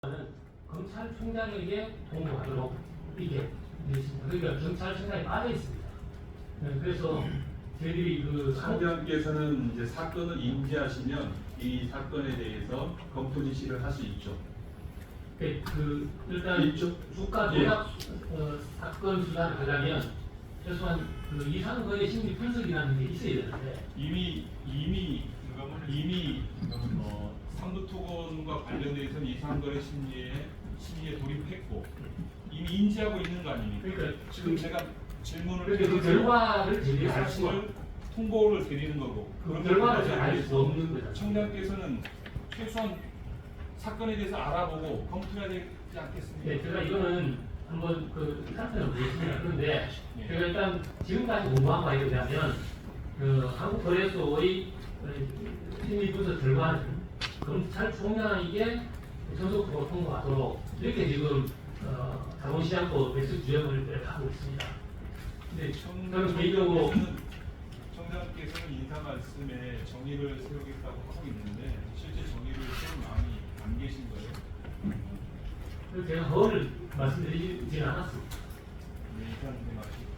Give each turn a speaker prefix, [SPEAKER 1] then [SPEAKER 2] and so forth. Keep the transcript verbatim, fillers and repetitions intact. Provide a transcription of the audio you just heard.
[SPEAKER 1] 검찰총장에게 통보하도록 이렇게 되어 있습니다. 그러니까 경찰청장이 빠져 있습니다. 네, 그래서 저희들이 그
[SPEAKER 2] 상대원께서는 이제 사건을 인지하시면 이 사건에 대해서 검토 지시를 할 수 있죠.
[SPEAKER 1] 그, 그 일단
[SPEAKER 2] 있죠?
[SPEAKER 1] 주가
[SPEAKER 2] 예.
[SPEAKER 1] 조작 어, 사건 수사를 하려면 최소한 그 이상거래 심리 분석이라는 게 있어야 되는데
[SPEAKER 3] 이미 이미 이미 어, 상부토건과 관련돼서는 이상거래 심리에 심리에 돌입했고 이미 인지하고 있는 거 아닙니까?
[SPEAKER 1] 그러니까
[SPEAKER 3] 지금 제가 질문을
[SPEAKER 1] 그러니까 그 결과를 제기할 수가
[SPEAKER 3] 말씀을 통보를 드리는 거고
[SPEAKER 1] 그 결과를 제가 알 수 없는 거죠.
[SPEAKER 3] 청장께서는 최소한 사건에 대해서 알아보고 검토해야 되지 않겠습니까?
[SPEAKER 1] 네, 제가 이거는 한번 그 상태를 보겠습니다. 그런데
[SPEAKER 3] 네.
[SPEAKER 1] 제가 일단 지금까지 공부한 바에 의하면 그 한국거래소의 심리분석 결과는 검찰총장에게 전속으로 통보하도록 이렇게 지금 어, 자본시장법 백수 규정을 하고 있습니다. 근데 저는 개인적으로
[SPEAKER 3] 청장께서는 청장께서는 인사 말씀에 정의를 세우겠다고 하고 있는데 실제 정의를 세울 마음이 안 계신 거예요?
[SPEAKER 1] 제가 허를 말씀드리지는 않았습니다.
[SPEAKER 3] 네, 일단 그 말씀.